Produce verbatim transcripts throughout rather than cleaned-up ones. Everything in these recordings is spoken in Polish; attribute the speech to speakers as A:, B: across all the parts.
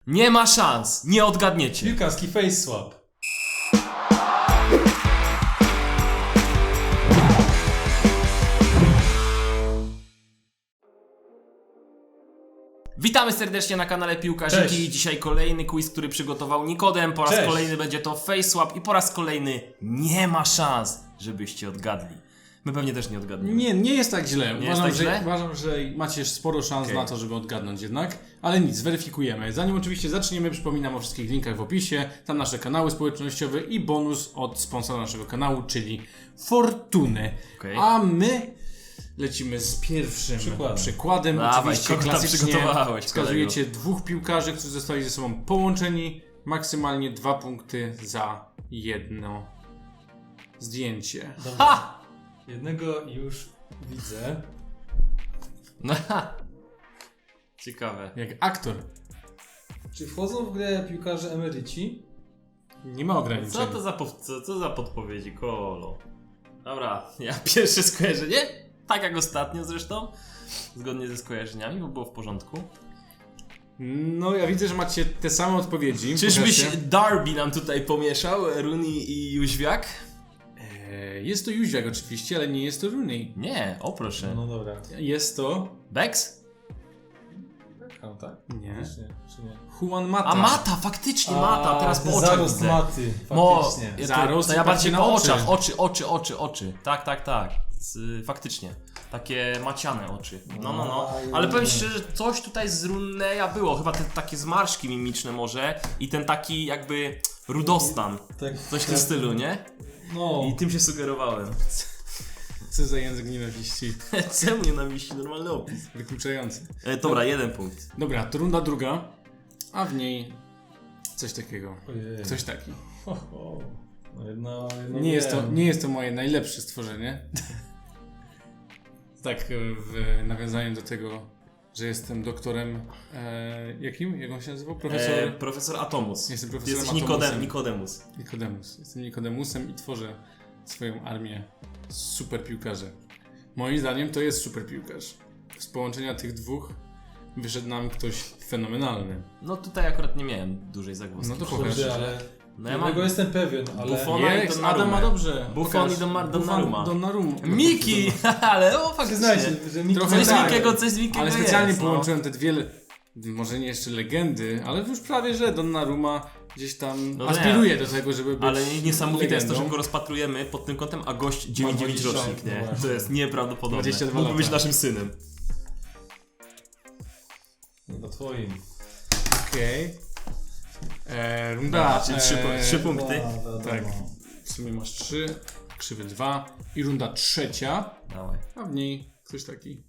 A: Nie ma szans, nie odgadniecie.
B: Piłkarski face swap.
A: Witamy serdecznie na kanale Piłkarzyki.
B: Cześć.
A: Dzisiaj kolejny quiz, który przygotował Nikodem. Po raz
B: Cześć.
A: kolejny będzie to face swap i po raz kolejny nie ma szans, żebyście odgadli. My pewnie też nie odgadniemy.
C: Nie, nie jest tak źle.
A: Nie
C: uważam,
A: jest tak
C: że,
A: źle?
C: uważam, że macie sporo szans
A: Okay.
C: na to, żeby odgadnąć jednak. Ale nic, zweryfikujemy. Zanim oczywiście zaczniemy, przypominam o wszystkich linkach w opisie. Tam nasze kanały społecznościowe i bonus od sponsora naszego kanału, czyli Fortuny.
A: Okay.
C: A my lecimy z pierwszym
B: Przykładem.
C: przykładem.
A: Dawaj,
C: oczywiście
A: kogo tam
C: klasycznie
A: przygotowałeś,
C: wskazujecie dwóch piłkarzy, którzy zostali ze sobą połączeni. Maksymalnie dwa punkty za jedno zdjęcie.
B: Dobra.
A: Ha!
B: Jednego już widzę.
A: No, ha. Ciekawe.
C: Jak aktor.
B: Czy wchodzą w grę piłkarze emeryci?
C: Nie ma ograniczeń.
A: Co to za, pow- co, co za podpowiedzi, kolo? Dobra, ja pierwsze skojarzenie, tak jak ostatnio zresztą, zgodnie ze skojarzeniami, bo było w porządku.
C: No, ja widzę, że macie te same odpowiedzi.
A: Czyżbyś
C: Pokażcie.
A: Darby nam tutaj pomieszał, Rooney i Jóźwiak?
C: Eee, Jest to Jóźwiak oczywiście, ale nie jest to Rooney.
A: Nie, o proszę.
B: No dobra.
C: Jest to...
A: Bex?
B: Beckham, tak?
C: Nie.
B: Czy nie? Czy nie?
C: Juan Mata.
A: A Mata, faktycznie Mata, teraz po oczach
B: Zarost
A: widzę.
B: maty,
A: Mo,
B: faktycznie.
A: ja to,
C: Zarost
A: to
C: i
A: ja bardziej
C: patrzcie
A: po
C: na oczy.
A: oczach, oczy, oczy, oczy, oczy. Tak, tak, tak. Z, faktycznie. Takie maciane oczy. No, no, no. Ale powiem szczerze, coś tutaj z Runeya było. Chyba te takie zmarszki mimiczne może i ten taki jakby rudostan.
B: Tak,
A: Coś w tym stylu, nie?
B: No.
A: I tym się sugerowałem.
C: Co za język nienawiści.
A: Czemu nie namiści normalny opis?
C: Wykluczający.
A: E, dobra, jeden punkt.
C: Dobra, to runda druga, a w niej coś takiego.
B: Ojej.
C: Coś taki.
B: Ho, ho. No jedno, jedno
C: Nie jest, to,
B: wiem.
C: nie jest to moje najlepsze stworzenie. Tak, w nawiązaniu do tego, że jestem doktorem... E, jakim? Jak on się nazywał? Profesor...
A: E, profesor Atomus.
C: Jestem
A: Ty
C: profesorem
A: jesteś
C: Atomusem.
A: Nikodem, Nikodemus.
C: Nikodemus. Jestem Nikodemusem i tworzę swoją armię super piłkarzy. Moim zdaniem to jest super piłkarz. Z połączenia tych dwóch wyszedł nam ktoś fenomenalny.
A: No tutaj akurat nie miałem dużej zagłoski.
C: No to pokaż.
B: Kurde, ale...
A: No ja
B: Jednego
A: mam
B: jestem pewien, ale...
A: Buffon. Ona i
C: Jest,
A: Donnarumma.
C: Adam ma dobrze.
A: Buffon
C: Pokaż.
A: i Donnarumma.
C: Buffon, Donnarumma.
A: Miki! Ale o faktycznie.
B: Przyznajcie, że Miki...
C: Trochę
A: Coś z
C: tak.
A: Mikiego, coś z Mikiego
C: Ale specjalnie
A: jest, no.
C: połączyłem te dwie, le- może nie jeszcze legendy, ale już prawie, że Donnarumma gdzieś tam
A: No nie.
C: aspiruje do tego, żeby być
A: Ale niesamowite jest to, że
C: legendą.
A: go rozpatrujemy pod tym kątem, a gość dziewięćdziesiąt dziewięć
B: dwadzieścia,
A: rocznik, nie?
B: no właśnie.
A: To jest nieprawdopodobne.
C: dwadzieścia dwa
A: Mógłby
C: lata.
A: być naszym synem.
B: No twoim.
C: Okej. Eee, Runda.
A: Dobra, czyli trzy po-
C: eee,
A: trzy punkty.
B: No, no,
C: Tak.
B: no.
C: W sumie masz trzy, krzywy dwa i runda trzecia,
A: Dawaj.
C: a w niej ktoś taki.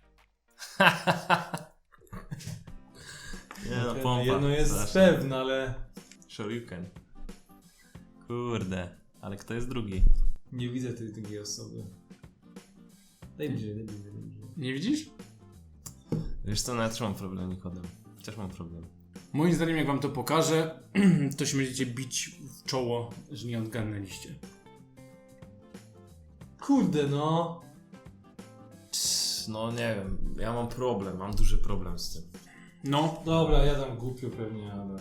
A: Nie no,
B: Okej,
A: pompa.
B: jedno jest
A: Strasznie.
B: pewne, ale...
A: Shoryuken. Kurde. Ale kto jest drugi?
B: Nie widzę tej drugiej osoby. Daj bliżej, daj bliżej, daj bliżej.
C: Nie widzisz?
A: Wiesz co, nawet też mam problem, Nikodem. Też mam problem.
C: Moim zdaniem, jak wam to pokażę, to się będziecie bić w czoło, że nie odgadnęliście.
B: Kurde no.
A: Cs, No nie wiem, ja mam problem, mam duży problem z tym.
C: No,
B: Dobra, ja dam głupio pewnie, ale...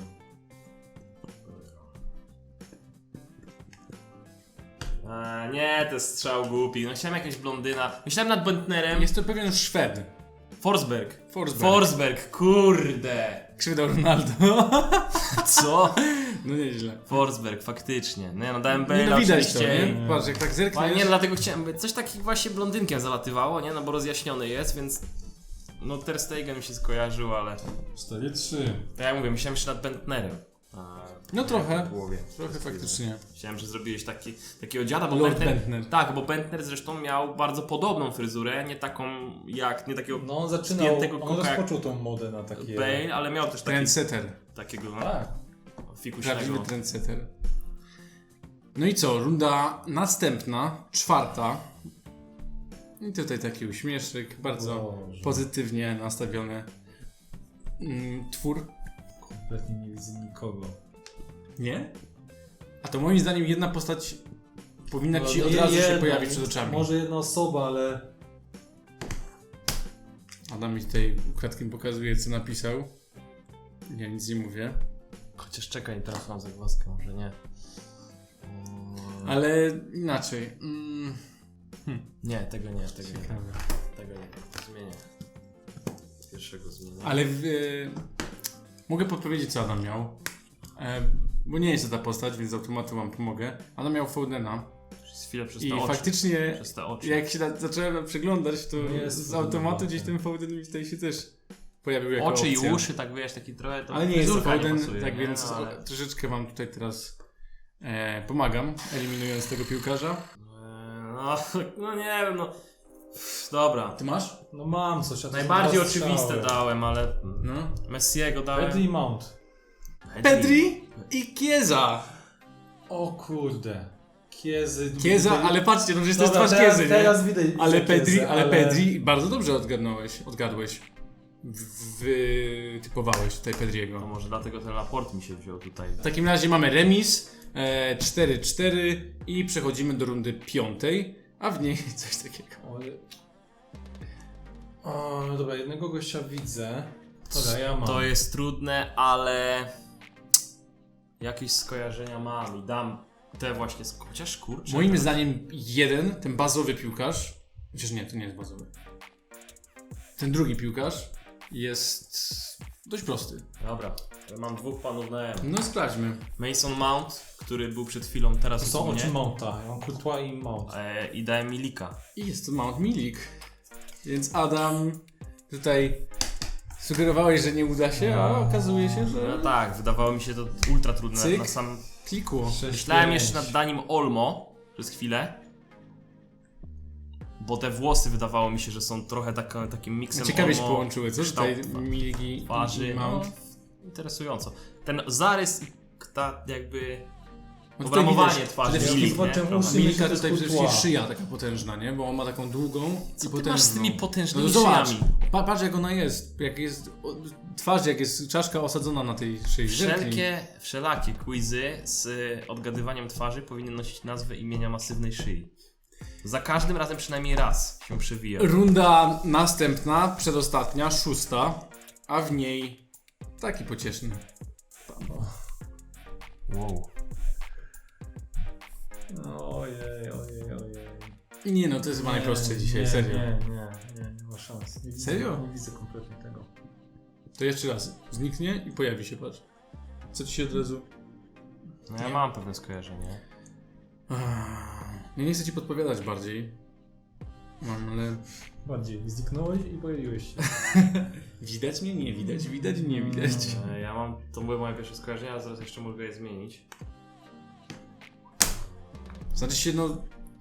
A: A, nie, to jest strzał głupi. No chciałem jakaś blondyna. Myślałem nad Bentnerem.
C: jest to pewien Szwed.
A: Forsberg.
C: Forsberg.
A: Forsberg, kurde.
C: Krzywda Ronaldo.
A: Co?
C: No nieźle.
A: Forsberg, faktycznie. Nie no, dałem
C: Nie
A: Bale'a
C: no widać to,
A: oczywiście.
C: nie? Patrz, jak tak
A: Ale
C: zerkniesz.
A: nie, no, dlatego chciałem, coś takiego właśnie blondynkiem zalatywało, nie? No bo rozjaśniony jest, więc... No Ter Stegen mi się skojarzył, ale...
B: cztery trzy.
A: To ja mówię, myślałem jeszcze nad Bentnerem. A,
C: No
A: nie,
C: trochę.
A: w głowie.
C: Trochę faktycznie.
A: Myślałem, że zrobiłeś taki, takiego dziada, bo
C: Lord
A: Bentner,
C: Bentner.
A: Tak, bo Bentner zresztą miał bardzo podobną fryzurę, nie taką jak, nie takiego
B: No on zaczynał,
A: Spiętego
B: on
A: koka jak
B: rozpoczął tą modę na takie...
A: Bale, ale miał też taki,
C: Trendsetter.
A: takiego
B: Tak.
A: fikuśnego.
C: Prawdziwy trendsetter. No i co? Runda następna, czwarta. I tutaj taki uśmieszek, bardzo
B: Boże.
C: pozytywnie nastawiony mm, twór.
B: Kompletnie nie widzę nikogo.
C: Nie? A to moim zdaniem jedna postać powinna
B: No,
C: ci
B: no
C: od
B: je-
C: razu się
B: jedna,
C: pojawić przed oczami.
B: Może jedna osoba, ale...
C: Adam mi tutaj ukradkiem pokazuje, co napisał. Ja nic nie mówię.
A: Chociaż czekaj, teraz mam zagwozdkę, może nie. Mm,
C: Ale inaczej. Mm.
A: Nie, tego nie, tego nie.
C: Ciekawe.
A: Tego nie. Zmienię. Pierwszego zmienię.
C: Ale w, e, mogę podpowiedzieć, co Adam miał. E, bo nie jest to ta postać, więc z automatu wam pomogę. Adam miał Foudena.
A: Przez chwilę przez te
C: I
A: oczy.
C: faktycznie,
A: Przez te oczy.
C: jak się na, zacząłem przeglądać, to
B: No jest
C: z
B: Foden,
C: automatu
B: no.
C: gdzieś ten Fouden mi tutaj się też pojawił jako
A: Oczy
C: opcja.
A: i uszy, tak wiesz, taki trochę to
C: Ale nie jest to
A: fryzurka
C: Foden,
A: pasuje,
C: tak
A: nie?
C: więc
A: No, ale...
C: troszeczkę wam tutaj teraz e, pomagam, eliminując tego piłkarza.
A: Eee, No, no nie wiem, no. Pff, dobra.
C: Ty masz?
B: No mam coś, a to
A: Najbardziej
B: są dwa
A: oczywiste
B: strzały.
A: dałem, ale
C: No.
A: Messiego dałem.
B: Pedri i Mount.
C: Pedri i Chiesa!
B: O kurde. Kiezy.
C: Chiesa,
B: widać-
C: ale patrzcie, no przecież to jest
B: Dobra,
C: twarz
B: teraz,
C: Chiesy, nie?
B: teraz widać.
C: Ale
B: widzę
C: Pedri,
B: Chiesę,
C: ale Pedri bardzo dobrze odgadnąłeś, odgadłeś. W- Wytypowałeś tutaj
A: To
C: Pedriego.
A: może dlatego ten raport mi się wziął tutaj.
C: W takim razie mamy remis e, cztery cztery i przechodzimy do rundy piątej, a w niej coś takiego.
B: Ale... O, no dobra, jednego gościa widzę. Dobra, ja mam.
A: To jest trudne, ale jakieś skojarzenia mam i dam te właśnie, sk- chociaż kurczę.
C: Moim zdaniem jeden, ten bazowy piłkarz, chociaż nie, to nie jest bazowy. Ten drugi piłkarz jest dość prosty.
A: Dobra, ja mam dwóch panów na M.
C: No sprawdźmy.
A: Mason Mount, który był przed chwilą, teraz
B: To
A: jest
B: są
A: u mnie.
B: oczy Mounta. Ja mam Courtois i Mount.
A: E, I dałem Milika.
C: I jest to Mount Milik. Więc Adam, tutaj sugerowałeś, że nie uda się, a okazuje się,
A: No
C: że
A: tak, wydawało mi się to ultra trudne
C: Cyk.
A: na sam...
C: klikło.
B: Sześć,
A: Myślałem
B: pięć.
A: jeszcze nad daniem Olmo przez chwilę. Bo te włosy wydawało mi się, że są trochę taka, takim miksem
C: Ciekawie się
A: Olmo,
C: połączyły, co tutaj
A: kształt
C: Milik i, i
A: twarzy. No,
C: Mount.
A: interesująco. Ten zarys i ta jakby
C: No tutaj
A: obramowanie
C: widać,
A: twarzy.
C: przede wszystkim
A: Milik, nie?
B: zobaczyłem
A: Prawda?
B: uszy.
C: Milika
B: myślę, że
C: tutaj
B: to
C: przede
B: jest
C: wszystkim
B: Courtois.
C: szyja taka potężna, nie? Bo on ma taką długą
A: Co
C: i
A: ty
C: potężną.
A: masz z tymi
C: No
A: potężnymi
C: to zobacz,
A: szyjami?
C: pa- patrz jak ona jest, jak jest o, twarz, jak jest czaszka osadzona na tej szyi. Zerknij.
A: Wszelkie, wszelakie quizy z y, odgadywaniem twarzy powinny nosić nazwę imienia masywnej szyi. Za każdym razem przynajmniej raz się przewija.
C: Runda następna, przedostatnia, szósta, a w niej taki pocieszny.
A: Wow.
B: Ojej, ojej, ojej.
C: Nie no, to jest chyba najprostsze
B: Nie,
C: dzisiaj,
B: nie,
C: serio.
B: Nie, nie, nie, nie ma szans. Nie widzę,
C: Serio?
B: Nie widzę kompletnie tego.
C: To jeszcze raz, zniknie i pojawi się, patrz. Co ci się od razu...
A: No ja mam pewne skojarzenie.
C: Ja nie chcę ci podpowiadać bardziej. Mam, ale...
B: Bardziej zniknąłeś i pojawiłeś się.
C: Widać mnie? Nie widać, widać, nie widać.
A: E, Ja mam, to były moje pierwsze skojarzenia, a zaraz jeszcze mogę je zmienić.
C: Znaczy się, no...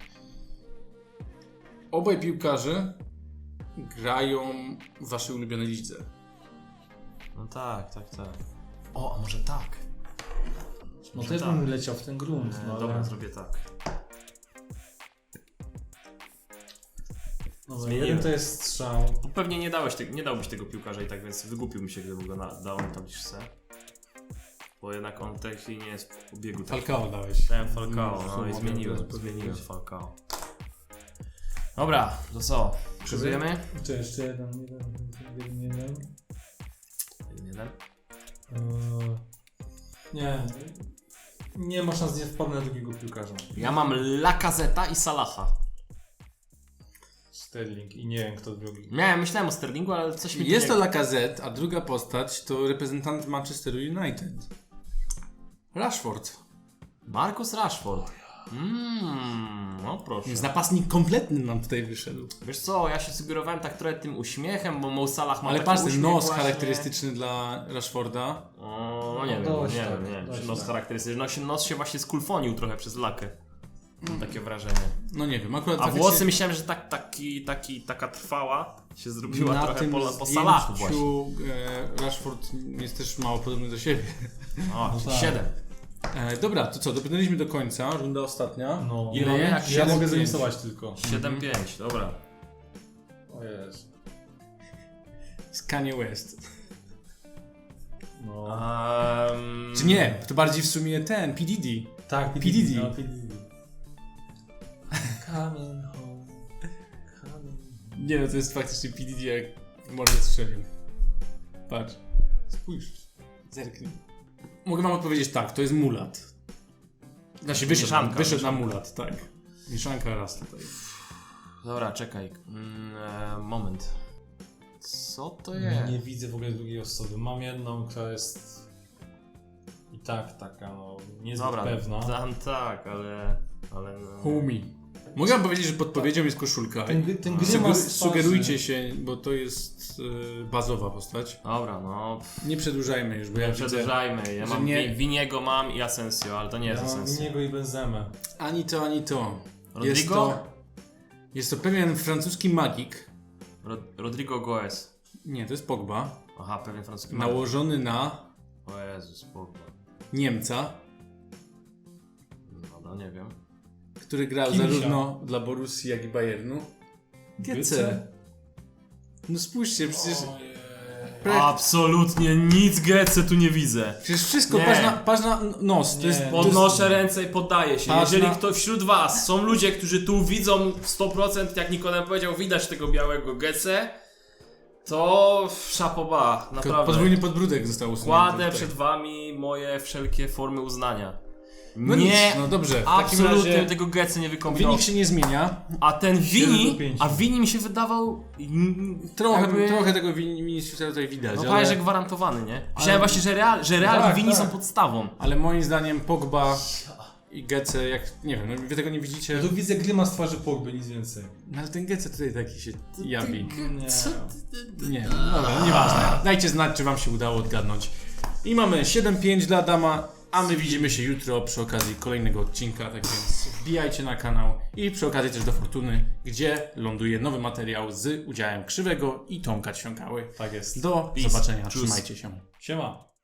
C: Obaj piłkarze grają w waszej ulubionej lidze.
A: No tak, tak, tak. O, a może tak?
B: No
A: Może
B: też
A: tak.
B: bym leciał w ten grunt.
A: E,
B: No,
A: Dobra,
B: ale...
A: zrobię tak.
B: Dobra,
A: zmieniłem.
B: jeden to jest strzał.
A: Bo pewnie nie dałeś te, nie dałbyś tego piłkarza i tak, więc wygłupił mi się, gdybym go na, dał na tabliczce. Bo jednak on tak nie jest w obiegu. Tak.
C: Falcao dałeś.
A: Dałem Falcao, no i
C: Słownie,
A: zmieniłem,
C: to
A: zmieniłem Falcao. Dobra, to co? Przygotujemy?
B: Czy jeszcze jeden, jeden, jeden, jeden.
A: Jeden.
B: Eee, nie. Nie ma szans, nie wpadnę na drugiego piłkarza.
A: Ja mam Lacazeta i Salaha.
B: Sterling i nie wiem kto drugi.
A: Miałem, myślałem o Sterlingu, ale coś mi tu
C: Jest
A: nie...
C: to Lacazette, a druga postać to reprezentant Manchesteru United. Rashford.
A: Marcus Rashford. Mmm, no proszę.
C: Więc napastnik kompletny nam tutaj wyszedł.
A: Wiesz co, ja się sugerowałem tak trochę tym uśmiechem, bo Mo Salah ma
C: Ale
A: taki
C: patrz, ten
A: uśmiech
C: nos
A: właśnie.
C: charakterystyczny dla Rashforda.
A: O, no nie
B: No
A: wiem,
B: dość
A: nie
B: tak,
A: wiem, nie wiem,
B: dość
A: czy nos
B: tak.
A: charakterystyczny. No, się, nos się właśnie skulfonił trochę przez lakę. Mam takie wrażenie.
C: No nie wiem, akurat
A: A
C: faktycznie
A: włosy myślałem, że tak, taki, taki, taka trwała się zrobiła
C: na
A: trochę
C: tym
A: po, po Salahu właśnie.
C: zdjęciu e, Rashford jest też mało podobny do siebie.
A: O,
B: No
A: czyli
B: tak.
A: siedem.
C: E, dobra, to co, dobrnęliśmy do końca, runda ostatnia.
B: No.
A: Ile
C: Mamy
A: jak
B: Ja
C: siedem
B: mogę
C: pięć.
B: zamisować tylko.
A: siedem pięć, dobra.
B: O jest.
C: Z Kanye West.
B: No.
A: Um,
C: Czy nie? To bardziej w sumie ten, P. Diddy.
B: Tak,
C: P. Diddy.
B: No, P. Diddy. Coming home. Coming home.
C: Nie no, to jest faktycznie P. Diddy jak w morze strzelił. Patrz. Spójrz. Zerknij. Mogę wam odpowiedzieć tak, to jest mulat. Znaczy wyszedł,
A: Mieszanka,
C: wyszedł na
A: mieszanka.
C: mulat, tak. Mieszanka raz tutaj.
A: Dobra, czekaj. Mm, e, moment. Co to
B: Nie,
A: jest?
B: nie widzę w ogóle drugiej osoby. Mam jedną, która jest i tak taka, no, niezbyt
A: Dobra,
B: pewna.
A: tam tak, ale... ale no.
C: Homie. Mogę wam powiedzieć, że podpowiedzią jest koszulka.
B: Ten, gry- ten
C: Sugeru-
B: grymas twarzy.
C: sugerujcie się, bo to jest y, bazowa postać.
A: Dobra, no...
C: Nie przedłużajmy już, bo ja
A: Nie
C: widzę
A: przedłużajmy. Ja
C: że
A: mam
C: nie-
A: nie... Winiego mam i Asensio, ale to nie jest
B: Ja mam
A: Asensio.
B: niego i Benzemę.
C: ani to, ani to.
A: Rodrigo?
C: Jest to, jest to pewien francuski magik.
A: Ro Rodrigo Goes.
C: Nie, to jest Pogba.
A: Aha, pewien francuski magik.
C: Nałożony na
A: O Jezus, Pogba.
C: Niemca,
A: No, nie wiem.
C: który grał
B: Kimsia.
C: zarówno dla Borussii, jak i Bayernu. Gece. No spójrzcie, przecież,
B: Ojej.
C: projekt,
A: Absolutnie nic Gece tu nie widzę.
C: przecież wszystko,
A: Nie.
C: patrz na, patrz na nos. To
B: Nie.
C: jest, to jest,
A: Podnoszę ręce i poddaję się.
C: Patrz
A: Jeżeli
C: na-
A: ktoś wśród was są ludzie, którzy tu widzą sto procent, jak Nikodem powiedział, widać tego białego Gece, to szapoba, naprawdę.
C: podwójny podbródek został usunięty.
A: Kładę
C: tutaj.
A: przed wami moje wszelkie formy uznania.
C: No
A: nie,
C: nic, no dobrze, w takim
A: absolutnie
C: razie
A: tego Gece nie wykombinował.
C: wynik się nie zmienia.
A: A ten
B: siedem
A: Vini,
B: do pięciu.
A: a Vini mi się wydawał... mm,
C: Trochę,
A: jakby-
C: trochę tego Viniciusa tutaj widać,
A: No
C: ale,
A: prawie, że gwarantowany, nie? Myślałem
C: Ale-
A: właśnie, że Real, że Real
C: Tak,
A: i Vini
C: tak.
A: są podstawą.
C: ale moim zdaniem Pogba i Gece, jak nie wiem, no wy tego nie widzicie.
B: Ja tu widzę grymas twarzy Pogby, nic więcej.
C: No ale ten Gece tutaj taki się jawi.
B: Nie.
A: Co
C: Nie, no dobra, nieważne. Dajcie znać, czy wam się udało odgadnąć. I mamy siedem pięć dla Adama, a my widzimy się jutro przy okazji kolejnego odcinka, tak więc wbijajcie na kanał i przy okazji też do Fortuny, gdzie ląduje nowy materiał z udziałem Krzywego i Tomka Ćwiąkały.
B: Tak jest.
C: Do
A: Peace.
C: zobaczenia,
A: Tschüss.
C: trzymajcie się.
B: Siema.